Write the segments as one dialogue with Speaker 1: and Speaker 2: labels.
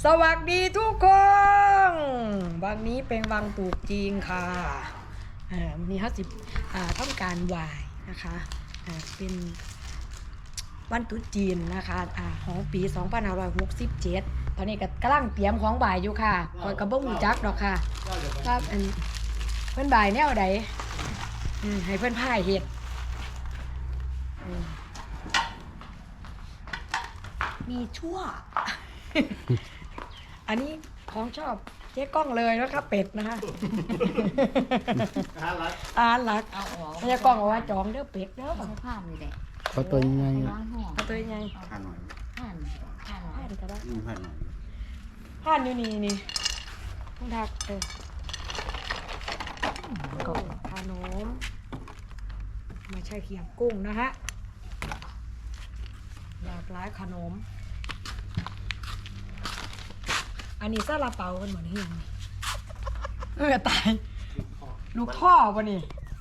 Speaker 1: สวัสดีทุกคนวันนี้เป็นวันตรุษจีนค่ะวันนี้เขาสิทำการไหว้นะคะเป็นวันตรุษจีนนะคะของปี2567ตอนนี้ก็กำลังเตรียมของบ่ายอยู่ค่ะคอยกระบ้งจักดอกค่ะครับเพื่อนบ่ายแนวใดให้เพื่อนพ่ายเห็ดมีชั่ว อันนี้ของชอบเจ๊กล้องเลยนะครับเป็ดนะคะอารักเจ๊กล้องเอาว่าจองเด้อเป็ดเด้อ
Speaker 2: ผ้าเลยแหละ
Speaker 3: เขาตัวยังไง
Speaker 1: เอาตัวยังไง
Speaker 3: ผ่านหน่อย
Speaker 2: ผ้าผ้า
Speaker 1: ผ่านก็ได้
Speaker 3: ผ่านหน่อย
Speaker 1: ผ่านอยู่นี่ต้องทักก็ขนมไม่ใช่เขียงกุ้งนะฮะหลากหลายขนมอันนี้ซาลาเปากันเหมือนเฮียงตายลูกท่อปะนี่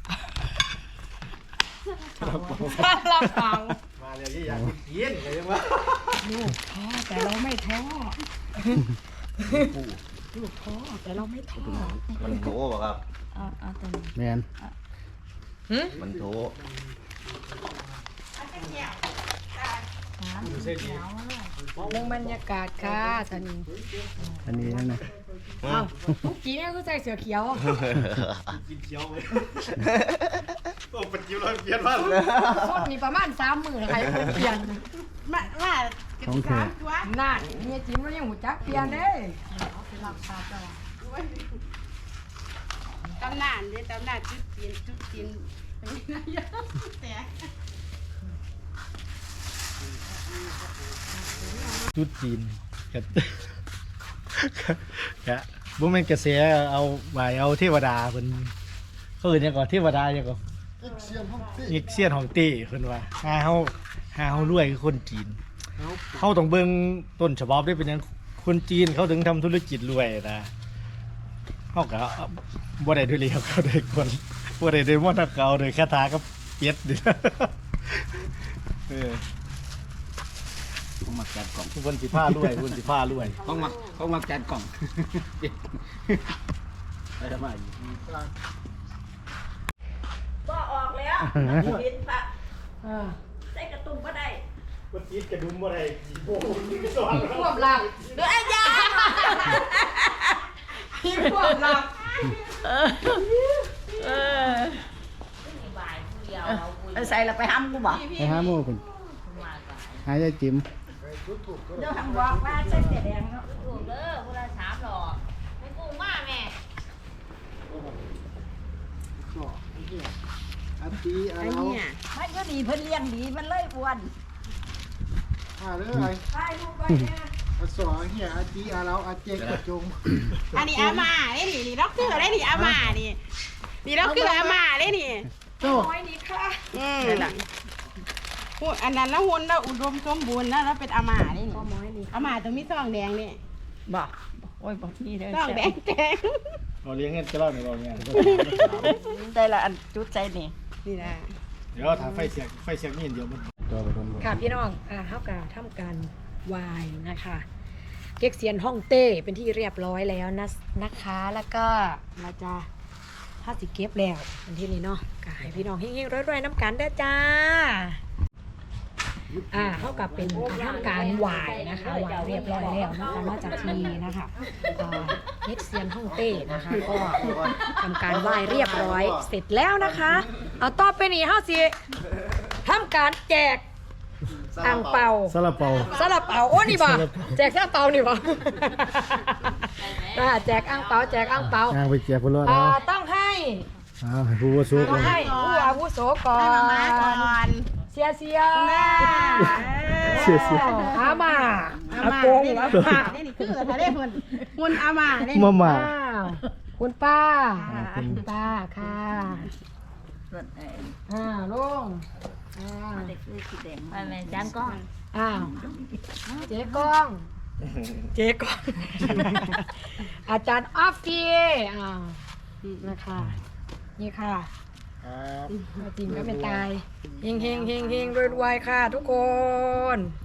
Speaker 1: ซาลาเปา
Speaker 3: มาเลยที่อยากกินเลยว่า
Speaker 1: ลูกท่อแต่เราไม่ท้อลูกท้อแต่เราไม่ท้อ
Speaker 4: มันโถป่ะครับ
Speaker 2: เอาตัวนี้
Speaker 3: แมน
Speaker 4: มันโถ
Speaker 1: เรื่องบรรยากาศค่ะตอนนี้
Speaker 3: อันนี้นั่นนะ
Speaker 1: อ้าวทุกกี้เนี่ยก็ใส่เสื้อเขียว
Speaker 3: กินเคี้ยวเลยโอ้ปัจจุบันเปลี่ยนมาก
Speaker 1: ส้นนี่ประมาณ30,000นะคะคนเปลี่ยน
Speaker 2: ว่า
Speaker 3: ของแท้
Speaker 1: น่าเนี่ยจิ้มแล้วยังหูจักเปลี่ยนเด้
Speaker 2: ตำนานเด้ตำนานจุดจีนแต่
Speaker 3: จุดจีนกับกะบ่แม่นกระแสเอาไหวเอาเทวดาเพิ่นเขาเอิ้นหยังก่อนเทวดาหยังก่อนอีกเซียนของเต้เพิ่นว่าหาเฮารวยคือคนจีนเฮาต้องเบิ่งต้นฉบับได้เป็นหยังคนจีนเขาถึงทำธุรกิจรวยนะเฮาก็บ่ได้ด้วยเลียวเขาได้คนบ่ได้ด้วยมนต์เขาด้วยคาถากับเป็ดนี่
Speaker 4: ต้องมาจัดกล่อง
Speaker 3: ทุกคนสิผ้ารวยทุกคนสิผ้ารวย
Speaker 4: ต้องมาจัดกล่องไปทำไม
Speaker 2: ก็ออกแล้วเห็นปะใส่กระตุ้มก็ได้
Speaker 3: คนจีนกระดุมบ่ได้กี่โมงสอน
Speaker 1: พวกหลับ
Speaker 2: เดี๋ยวไอ้ยา
Speaker 1: พี่พวกหลับ
Speaker 2: ใส่ละไปห้ำกูบอก
Speaker 3: ไปหาหมู่เพิ่นหายายจิ๋ม
Speaker 2: เดี๋ยวทำบอกว่าใส่เสียแดงเนาะถูกเด้อคนละ3หลอดไม่กุ้งมากแม่
Speaker 3: อาตีอา
Speaker 2: ไอ้
Speaker 3: เรา
Speaker 2: เนี่ยมันก็ดีเพิ่นเลี้ยงดีมันเลยอ้วน
Speaker 3: เด้อไอ้
Speaker 1: ไปลูกไปเนี่ย
Speaker 3: อาสอเฮียอาตีอาเราอาเจกกระจง
Speaker 5: อันนี้อาม่าได้นี่ด็อกเตอร์ได้นี่อาม่านี่ด็อกเตอร์อาม่าได้นี่
Speaker 3: โจ้
Speaker 1: น้อยนี่ค่ะ
Speaker 5: พูดอันนั้นแล้วหุ่นแล้วอุดมสมบูรณ์นะแล้วเป็นอาม่าได้นี่
Speaker 1: พ่อม้อยนี่
Speaker 5: อาม่าต้องมีซองแดงนี่
Speaker 2: บอกโอ้ยบอกนี่เลย
Speaker 5: ซองแดงแดง
Speaker 3: เราเลี้ยงเงินจะเล่าในเราเนี่ย
Speaker 2: ได้ละอันจุดใจนี่
Speaker 5: นี่นะ
Speaker 3: เดี๋ยวถามไฟเสียงนี่เดียวมันตัวไปโดน
Speaker 1: ค่ะพี่น้องเขาก็ทำการวายนะคะเก๊กเซียนฮ่องเต้เป็นที่เรียบร้อยแล้วนะคะแล้วก็เราจะถ้าสิเก็บแล้วอันที่นี้เนาะก็ให้พี่น้องเฮงๆรวยๆน้ำกันได้อจ้าเท่ากับเป็นทำการหวายนะคะหวายเรียบร้อยแล้วนะคะนอกจากทีนะคะเก๊กเซียนฮ่องเต้นะคะก็ทำการไหว้เรียบร้อยเสร็จแล้วนะคะเอาต่อไปนี้เฮาสิทำการแจกอ่างเปา
Speaker 3: ซาลาเปา
Speaker 1: ซาลาเปาโอ้นี่บ่แจกซาลาเปานี่บ่แจกอ่างเปาแจกอ่างเปา
Speaker 3: ย่างไปเจียบพลอดแล้ว
Speaker 1: ต้องให้
Speaker 3: ให้ผู้ว่าสู้
Speaker 1: ต้องให้ผู้อาวุโสก่อ
Speaker 5: ให้มาม่าก่อน น
Speaker 1: เสีย
Speaker 3: เสีย
Speaker 1: อามา
Speaker 5: อา
Speaker 1: อา
Speaker 5: ม่า
Speaker 1: โกง
Speaker 5: ได้
Speaker 1: อา
Speaker 5: นี่
Speaker 1: ม่า
Speaker 5: ได้นี่คือถ้าได้หุ่นอาม่าได้
Speaker 3: มาม่า
Speaker 1: อ้าวคุณป้าคุณป้าค่ะลุง
Speaker 2: เด็กเลยสีแดงไปแม่จานก้อน
Speaker 1: อ้าวเจ๊กองเจ๊กองอาจารย์ออฟฟี่นะคะนี่ค่ะ
Speaker 3: ครับ
Speaker 1: จริงก็เป็นตายเฮงเฮงเฮงเฮงรวยๆค่ะทุกคน